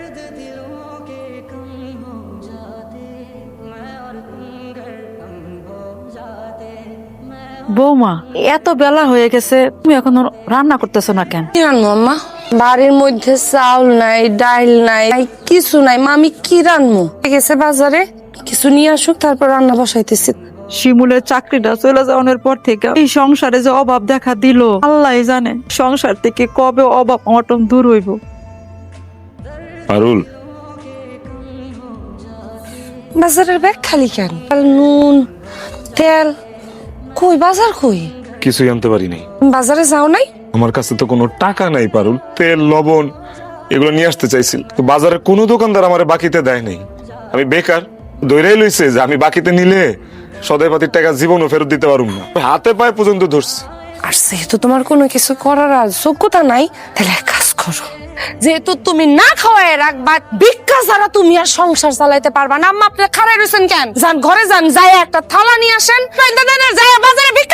বৌমা, এত বেলা হয়ে গেছে, তুমি এখনো রান্না করতেছো না কেন? কি রান্নো আম্মা? বাড়ির মধ্যে চাউল নাই, ডাইল নাই, কিছু নাই। মা আমি কি রান্নু? গেছে বাজারে, কিছু নিয়ে আসুক, তারপর রান্না বসাইতেছি। শিমুলের চাকরিটা চলে যাওয়ার পর থেকে এই সংসারে যে অভাব দেখা দিল, আল্লাহই জানে সংসার থেকে কবে অভাব অনটন দূর হইব। পারুল, বাজারের ব্যাগ খালি কেন? আর নুন, তেল কই? বাজার কই? কিছুই আনতে পারি নাই। বাজারে যাও নাই? আমার কাছে তো কোনো টাকা নাই পারুল। তেল, লবণ এগুলো নিয়ে আসতে চাইছিল, তো বাজারে কোনো দোকানদার আমার বাকিতে দেয় নাই। আমি বেকার, দৈরাই লইছে যে আমি বাকিতে নিলে সদাই পাতির টাকা জীবনও ফেরত দিতে পারুম না। হাতে পায়ে পর্যন্ত ধরছি। আর যেহেতু তোমার কোনো কিছু করার আর যোগ্যতা নাই, তাহলে এক কাজ করো, যেহেতু তুমি না খাওয়াই রাখবা, ভিক্ষা ছাড়া তুমি আর সংসার চালাইতে পারবা না। আম্মা আপনি খাড়াই রয়েছেন কেন? যান ঘরে যান, যাই একটা থালা নিয়ে আসেন, যাই বাজারে